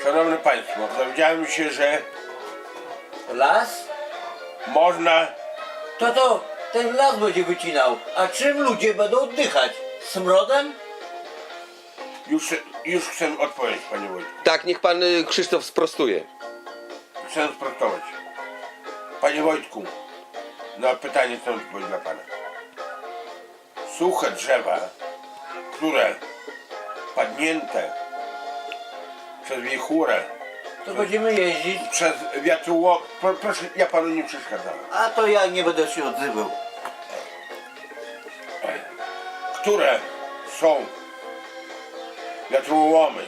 Szanowni Państwo, dowiedziałem się, że Las? można... To ten las będzie wycinał. A czym ludzie będą oddychać? Smrodem? Już chcę odpowiedzieć, panie Wojtku. Tak, niech pan Krzysztof sprostuje. Chcę sprostować. Panie Wojtku, na pytanie chcę odpowiedzieć dla pana. Suche drzewa, które padnięte przez wichurę, To będziemy jeździć. przez wiatrołom... Proszę, ja panu nie przeszkadzałem. A to ja nie będę się odzywał. Które są wiatrołomy,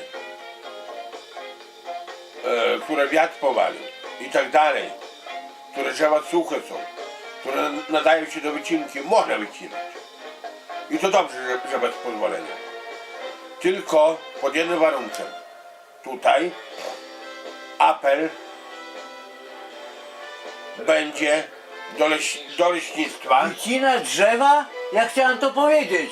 które wiatr powalił i tak dalej, które drzewa suche są, które nadają się do wycinki, można wycinać. I to dobrze, że bez pozwolenia. Tylko pod jednym warunkiem. Tutaj apel będzie do leśnictwa. Wycina drzewa? Ja chciałem to powiedzieć.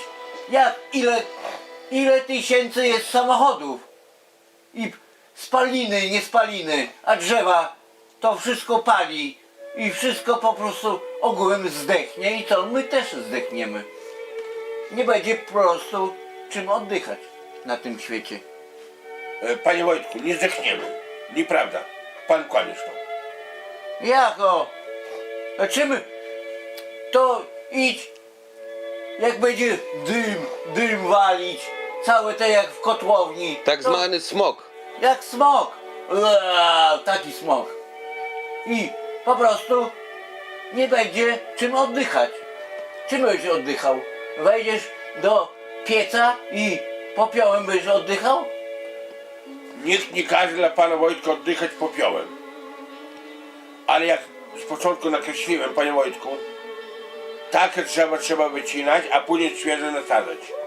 Ile tysięcy jest samochodów? I spaliny, nie spaliny, a drzewa to wszystko pali i wszystko po prostu ogółem zdechnie i to my też zdechniemy. Nie będzie po prostu czym oddychać na tym świecie. Panie Wojtku, nie zdechniemy. Nieprawda. Pan kłamiesz to. Jako? A czym? To idź, jak będzie dym walić, całe te jak w kotłowni. Tak to zwany smog. Jak smog. Taki smog. I po prostu nie będzie czym oddychać. Czym będziesz oddychał? Wejdziesz do pieca i popiołem będziesz oddychał? Nikt nie każe dla pana Wojtka oddychać popiołem. Ale jak z początku nakreśliłem, panie Wojtku, takie drzewa trzeba wycinać, a później świeże nasadzać.